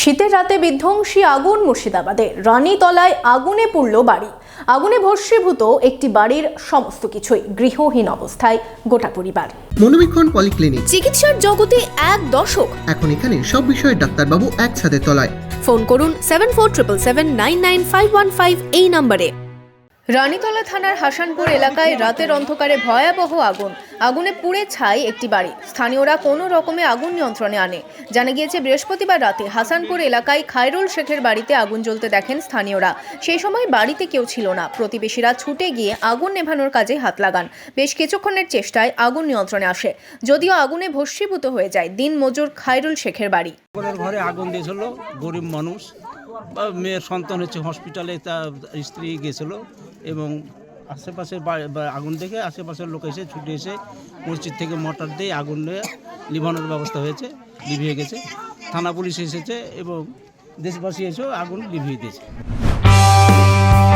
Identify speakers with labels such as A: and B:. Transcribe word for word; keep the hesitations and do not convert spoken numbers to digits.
A: শীতের রাতে বিধ্বংসী আগুন মুর্শিদাবাদে রানীতলায় আগুনে পুড়ল বাড়ি। আগুনে ভস্মীভূত একটি বাড়ির সমস্ত কিছুই, গৃহহীন অবস্থায় গোটা পরিবার।
B: মনোবীক্ষণ পলিক্লিনিক,
A: চিকিৎসার জগতে এক দশক।
B: এখন এখানে সব বিষয়ে ডাক্তারবাবু এক ছাদের তলায়।
A: ফোন করুন seven four triple seven nine nine five one five এই নম্বরে। রানীতলা থানার হাসানপুর এলাকায় রাতের অন্ধকারে ভয়াবহ আগুন। আগুনে পুড়ে ছাই একটি বাড়ি। স্থানীয়রা কোনো রকমে আগুন নিয়ন্ত্রণে আনে। জানা গিয়েছে বৃহস্পতিবার রাতে হাসানপুর এলাকায় খায়রুল শেখের বাড়িতে আগুন জ্বলতে দেখেন স্থানীয়রা। সেই সময় বাড়িতে কেউ ছিল না। প্রতিবেশীরা ছুটে গিয়ে আগুন নেভানোর কাজে হাত লাগান। বেশ কিছুক্ষণের চেষ্টায় আগুন নিয়ন্ত্রণে আসে, যদিও আগুনে ভস্মীভূত হয়ে যায় দিন মজুর খায়রুল শেখের বাড়ি।
C: ঘরে আগুন দিয়েছিল, গরিব মানুষ বা মেয়ের সন্তান হচ্ছে, হসপিটালে তার স্ত্রী গেছিল এবং আশেপাশের আগুন দেখে আশেপাশের লোক এসে ছুটে এসে মসজিদ থেকে মোটর দিয়ে আগুন নিয়ে নিভানোর ব্যবস্থা হয়েছে, লিভিয়ে গেছে। থানা পুলিশ এসেছে এবং দেশবাসী এসেও আগুন লিভিয়ে দিয়েছে।